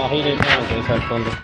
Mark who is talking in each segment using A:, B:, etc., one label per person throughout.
A: ਆਹੀ ਰਹਿੰਦੇ ਹੁੰਦੇ ਸੜਕਾਂ ਦੇ।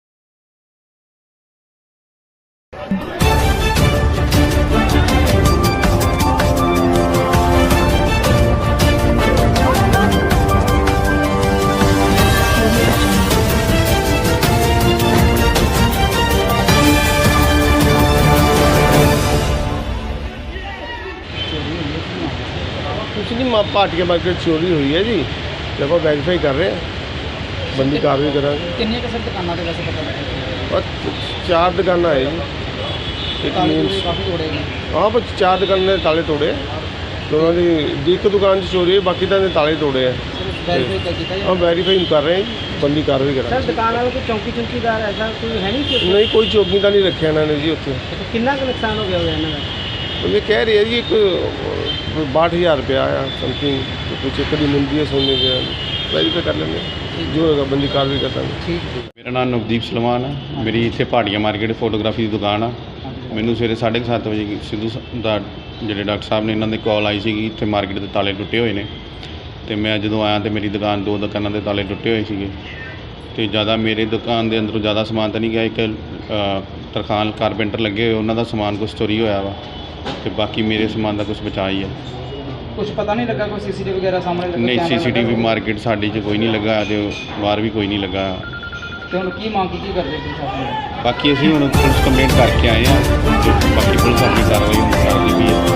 B: कुछ नहीं भाटिया मार्केट चोरी हुई है जी, जब आप वेरीफाई कर रहे हैं, बंदी कार्रवाई करा।
C: ਕਿੰਨੀਆਂ ਕੁ ਸਰ ਦੁਕਾਨਾਂ ਤੇ ਵੈਸੇ ਪਤਾ ਲੱਗਾ?
B: और 4 दुकाना है जी, एक मीन्स
C: ਕਾਫੀ ਤੋੜੇ ਨੇ।
B: हाँ पर 4 दुकान ने ताले तोड़े, दोनों की एक दुकान से चोरी है, बाकी तो ताले तोड़े हैं।
C: ਵੈਰੀਫਾਈ ਕੀਤਾ ਜੀ।
B: हम वेरीफाई कर रहे हैं, बंदी कार्रवाई करा।
C: ਸਰ ਦੁਕਾਨ ਵਾਲੇ ਕੋਈ ਚੌਂਕੀਦਾਰ ਐਸਾ ਕੋਈ ਹੈ ਨਹੀਂ ਕਿ
B: नहीं कोई चौकी का नहीं रखे इन्होंने जी उत्थे।
C: ਕਿੰਨਾ ਕੁ ਨੁਕਸਾਨ ਹੋ ਗਿਆ ਹੋਇਆ ਇਹਨਾਂ ਦਾ?
B: तो ये कह रही है जी एक 62,000 रुपया आया समथिंग, तो कुछ एक कभी मिलती है सोने के, वेरीफाई कर लेंगे जो होगा बंदी कार्रवाई करता है।
C: ਠੀਕ
D: ਮੇਰਾ ਨਾਮ ਨਵਦੀਪ ਸਲਮਾਨ ਹੈ। ਮੇਰੀ ਇੱਥੇ ਭਾਟੀਆ ਮਾਰਕੀਟ ਫੋਟੋਗ੍ਰਾਫੀ ਦੀ ਦੁਕਾਨ ਆ। ਮੈਨੂੰ ਸਵੇਰੇ 7:30 ਵਜੇ ਸਿੱਧੂ ਦਾ ਜਿਹੜੇ ਡਾਕਟਰ ਸਾਹਿਬ ਨੇ ਇਹਨਾਂ ਦੇ ਕਾਲ ਆਈ ਸੀਗੀ ਇੱਥੇ ਮਾਰਕੀਟ ਦੇ ਤਾਲੇ ਟੁੱਟੇ ਹੋਏ ਨੇ, ਅਤੇ ਮੈਂ ਜਦੋਂ ਆਇਆ ਤਾਂ ਮੇਰੀ ਦੁਕਾਨ 2 ਦੁਕਾਨਾਂ ਦੇ ਤਾਲੇ ਟੁੱਟੇ ਹੋਏ ਸੀਗੇ, ਅਤੇ ਜ਼ਿਆਦਾ ਮੇਰੇ ਦੁਕਾਨ ਦੇ ਅੰਦਰੋਂ ਜ਼ਿਆਦਾ ਸਮਾਨ ਤਾਂ ਨਹੀਂ ਗਿਆ। ਇੱਕ ਤਰਖਾਨ ਕਾਰਪੈਂਟਰ ਲੱਗੇ ਹੋਏ ਉਹਨਾਂ ਦਾ ਸਮਾਨ ਕੁਛ ਚੋਰੀ ਹੋਇਆ ਵਾ, ਅਤੇ ਬਾਕੀ ਮੇਰੇ ਸਮਾਨ ਦਾ ਕੁਛ ਬਚਾ ਹੀ ਆ।
C: ਕੁਝ ਪਤਾ ਨਹੀਂ ਲੱਗਾ ਕੋਈ ਸੀਸੀਟੀਵੀ ਵਗੈਰਾ ਸਾਹਮਣੇ ਲੱਗਾ?
D: ਨਹੀਂ ਸੀਸੀਟੀਵੀ ਮਾਰਕੀਟ ਸਾਡੀ 'ਚ ਕੋਈ ਨਹੀਂ ਲੱਗਾ ਅਤੇ ਬਾਹਰ ਵੀ ਕੋਈ ਨਹੀਂ ਲੱਗਾ।
C: ਤੇ ਹੁਣ ਕੀ ਮੰਗ ਕੀ ਕਰਦੇ ਪ੍ਰਸ਼ਾਸਨ?
D: ਬਾਕੀ ਅਸੀਂ ਹੁਣ ਪੁਲਿਸ ਕੰਪਲੇਂਟ ਕਰਕੇ ਆਏ ਹਾਂ, ਤੇ ਬਾਕੀ ਪੁਲਿਸ ਆਪਣੀ ਕਾਰਵਾਈ ਕਰਦੀ ਵੀ ਹੈ।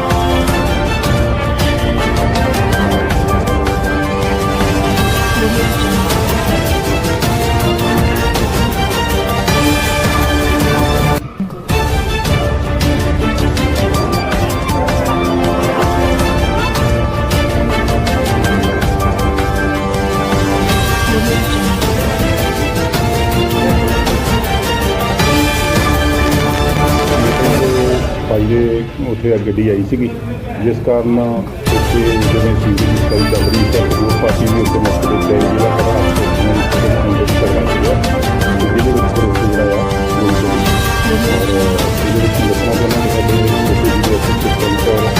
E: ਭਾਈ ਦੇ ਉੱਥੇ ਗੱਡੀ ਆਈ ਸੀਗੀ, ਜਿਸ ਕਾਰਨ ਉੱਥੇ ਜਿਵੇਂ ਸੀਡੀ ਦੀ ਸਫਾਈ ਚੱਲ ਰਹੀ ਸੀ, ਉਹ ਪਾਰਟੀ ਵੀ ਉੱਥੇ ਮਸਲੇ ਤੇ ਜਿਹੜਾ ਖੜਾ ਅੰਦਰ ਕਰਵਾ ਸੀਗਾ, ਜਿਹਦੇ ਵਿੱਚ ਫਿਰ ਉੱਥੇ ਜਿਹੜਾ ਆ ਔਰ ਇਹਦੇ ਵਿੱਚ ਦੱਸਣਾ ਚਾਹੁੰਦਾ ਕਿ ਸਾਡੇ ਉੱਥੇ ਜਿਹੜੇ ਸਿਸਟਮ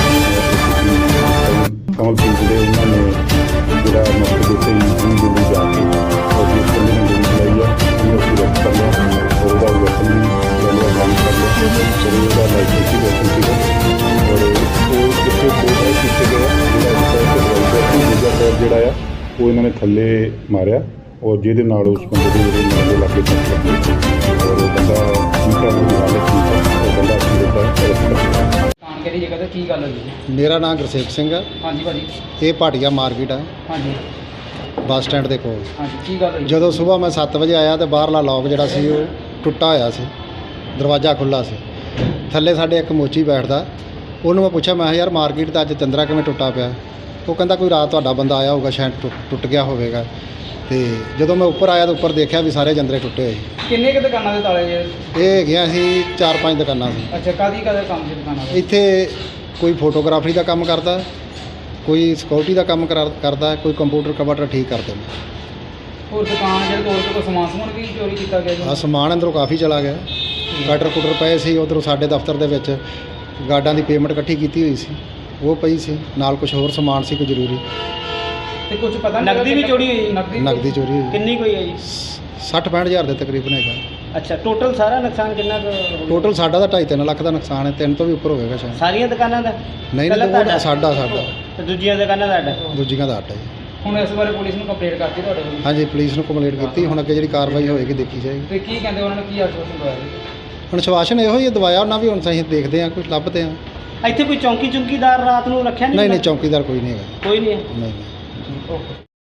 E: ਕਮਲਪ੍ਰੀਤ ਦੇ ਉਹਨਾਂ ਨੇ ਜਿਹੜਾ ਮਸਲੇ ਦੇ ਉੱਤੇ ਦਿੱਲੀ ਜਾ ਕੇ ਔਰ ਜਿਸ ਬੰਦੇ ਨੇ ਗੋਲੀ ਚਲਾਈ ਆ ਉਹਨੂੰ ਅਸੀਂ ਰੈਸਟ ਕਰ ਲਿਆ, ਔਰ ਉਹਦਾ ਵੈਪਨ ਵੀ ਲੈ ਬੰਦ ਕਰ ਲਿਆ, ਔਰ ਉਹਦਾ ਲਾਇਸੈਂਸ ਵੀ ਵੈਪਨ ਸੀਗਾ, ਔਰ ਉਹ ਕਿੱਥੇ ਕੋਲ ਕੀਤੇ ਗਏ ਜਿਹੜਾ ਆ ਉਹ ਇਹਨਾਂ ਨੇ ਥੱਲੇ ਮਾਰਿਆ, ਔਰ ਜਿਹਦੇ ਨਾਲ ਉਸ ਬੰਦੇ ਦੇ ਜਿਹੜੇ ਨਾਲ ਦੇ ਲਾਗੇ ਤੱਕ ਲੱਗੇ, ਔਰ ਉਹ ਬੰਦਾ ਠੀਕ ਹੈ, ਉਹਦੀ ਹਾਲਤ ਠੀਕ ਹੈ, ਉਹ ਬੰਦਾ ਅਸੀਂ ਉਹਦਾ ਅਰੈਸਟ ਕਰ ਲਿਆ।
C: ਦੁਕਾਨ ਕਿਹੜੀ ਜਗ੍ਹਾ ਤੇ ਕੀ ਗੱਲ ਹੋਈ ਜੀ?
F: ਮੇਰਾ ਨਾਮ ਗੁਰਸੇਵਕ ਸਿੰਘ ਹੈ।
C: ਹਾਂਜੀ ਭਾਜੀ।
F: ਇਹ ਭਾਟੀਆ ਮਾਰਕੀਟ ਹੈ,
C: ਹਾਂਜੀ
F: ਬੱਸ ਸਟੈਂਡ ਦੇ ਕੋਲ।
C: ਹਾਂਜੀ ਕੀ ਗੱਲ ਹੋਈ?
F: ਜਦੋਂ ਸਵੇਰ ਮੈਂ 7 ਵਜੇ ਆਇਆ ਤੇ ਬਾਹਰਲਾ ਲੌਕ ਜਿਹੜਾ ਸੀ ਉਹ ਟੁੱਟਾ ਹੋਇਆ ਸੀ, ਦਰਵਾਜ਼ਾ ਖੁੱਲ੍ਹਾ ਸੀ। ਥੱਲੇ ਸਾਡੇ ਇੱਕ ਮੋਚੀ ਬੈਠਦਾ, ਉਹਨੂੰ ਮੈਂ ਪੁੱਛਿਆ, ਮੈਂ ਕਿਹਾ ਯਾਰ ਮਾਰਕੀਟ ਦਾ ਅੱਜ ਚੰਦਰਾ ਕਿਵੇਂ ਟੁੱਟਾ ਪਿਆ? ਉਹ ਕਹਿੰਦਾ ਕੋਈ ਰਾਤ ਤੁਹਾਡਾ ਬੰਦਾ ਆਇਆ ਹੋਊਗਾ, ਸ਼ਾਇਦ ਟੁੱਟ ਗਿਆ ਹੋਵੇਗਾ। ਤੇ ਜਦੋਂ ਮੈਂ ਉੱਪਰ ਆਇਆ ਤਾਂ ਉੱਪਰ ਦੇਖਿਆ ਵੀ ਸਾਰੇ ਜੰਦਰੇ ਟੁੱਟੇ ਹੋਏ।
C: ਕਿੰਨੇ ਕੁ ਦੁਕਾਨਾਂ ਦੇ ਤਾਲੇ ਜੇ?
F: ਇਹ ਹੈਗੀਆਂ ਸੀ 4-5 ਦੁਕਾਨਾਂ ਸੀ।
C: ਅੱਛਾ ਕਾਹਦੀ ਕੰਮ ਸੀ ਦੁਕਾਨਾਂ ਦੇ?
F: ਇੱਥੇ ਕੋਈ ਫੋਟੋਗ੍ਰਾਫੀ ਦਾ ਕੰਮ ਕਰਦਾ, ਕੋਈ ਸਿਕਿਉਰਿਟੀ ਦਾ ਕੰਮ ਕਰਦਾ, ਕੋਈ ਕੰਪਿਊਟਰ ਕਵਟਰ ਠੀਕ ਕਰਦੇ ਨੇ।
C: ਹੋਰ ਦੁਕਾਨ ਜਿਹੜੇ ਤੋੜ ਕੇ ਕੋਈ ਸਮਾਨ ਵੀ ਚੋਰੀ ਕੀਤਾ ਗਿਆ ਜੀ?
F: ਆ ਸਮਾਨ ਅੰਦਰੋਂ ਕਾਫੀ ਚਲਾ ਗਿਆ, ਕਟਰ ਕੁਟਰ ਪਏ ਸੀ। ਉੱਧਰੋਂ ਸਾਡੇ ਦਫ਼ਤਰ ਦੇ ਵਿੱਚ ਗਾਰਡਾਂ ਦੀ ਪੇਮੈਂਟ ਇਕੱਠੀ ਕੀਤੀ ਹੋਈ ਸੀ, ਉਹ ਪਈ ਸੀ ਨਾਲ, ਕੁਝ ਹੋਰ ਸਮਾਨ ਸੀ ਕੋਈ ਜ਼ਰੂਰੀ।
C: ਤੇ ਕੁਝ ਪਤਾ ਨਹੀਂ ਨਕਦੀ ਵੀ ਚੋਰੀ ਹੋਈ?
F: ਨਕਦੀ ਚੋਰੀ ਹੋਈ।
C: ਕਿੰਨੀ ਕੋਈ ਹੈ ਜੀ?
F: 60-65 ਹਜ਼ਾਰ ਦੇ ਤਕਰੀਬਨ ਹੈਗਾ।
C: ਅੱਛਾ ਟੋਟਲ ਸਾਰਾ ਨੁਕਸਾਨ ਕਿੰਨਾ
F: ਟੋਟਲ ਸਾਡਾ ਤਾਂ 2.5-3 ਲੱਖ ਦਾ ਨੁਕਸਾਨ ਹੈ, 3 ਤੋਂ ਵੀ ਉੱਪਰ ਹੋਵੇਗਾ ਸ਼ਾਇਦ।
C: ਸਾਰੀਆਂ ਦੁਕਾਨਾਂ ਦਾ?
F: ਨਹੀਂ ਨਹੀਂ ਸਾਡਾ
C: ਤੇ ਦੂਜੀਆਂ ਦੁਕਾਨਾਂ ਦਾ?
F: ਦੂਜੀਆਂ ਦਾ 8 ਹੈ ਜੀ।
C: ਹੁਣ ਇਸ ਬਾਰੇ ਪੁਲਿਸ ਨੂੰ ਕੰਪਲੇਂਟ ਕਰਤੀ ਤੁਹਾਡੇ ਕੋਲ?
F: ਹਾਂਜੀ ਪੁਲਿਸ ਨੂੰ ਕੰਪਲੇਂਟ ਕੀਤੀ, ਹੁਣ ਅੱਗੇ ਜਿਹੜੀ ਕਾਰਵਾਈ ਹੋਏਗੀ ਦੇਖੀ ਜਾਏਗੀ।
C: ਤੇ ਕੀ ਕਹਿੰਦੇ ਉਹਨਾਂ ਨੇ, ਕੀ ਆਸ਼ਵਾਸਨ ਦਵਾਇਆ ਜੀ?
F: ਹੁਣ ਸ਼ਵਾਸ਼ਨ ਇਹੋ ਹੀ ਦਵਾਇਆ ਉਹਨਾਂ ਵੀ, ਹੁਣ ਅਸੀਂ ਦੇਖਦੇ ਹਾਂ, ਕੁਝ ਲੱਭਦੇ ਹਾਂ।
C: ਇੱਥੇ ਕੋਈ ਚੌਂਕੀਦਾਰ ਰਾਤ ਨੂੰ ਰੱਖਿਆ
F: ਨਹੀਂ ਨਹੀਂ ਚੌਕੀਦਾਰ ਕੋਈ ਨਹੀਂ ਹੈਗਾ।
C: ਕੋਈ ਨਹੀਂ ਹੈ?
F: ਨਹੀਂ।
C: ਓਕੇ।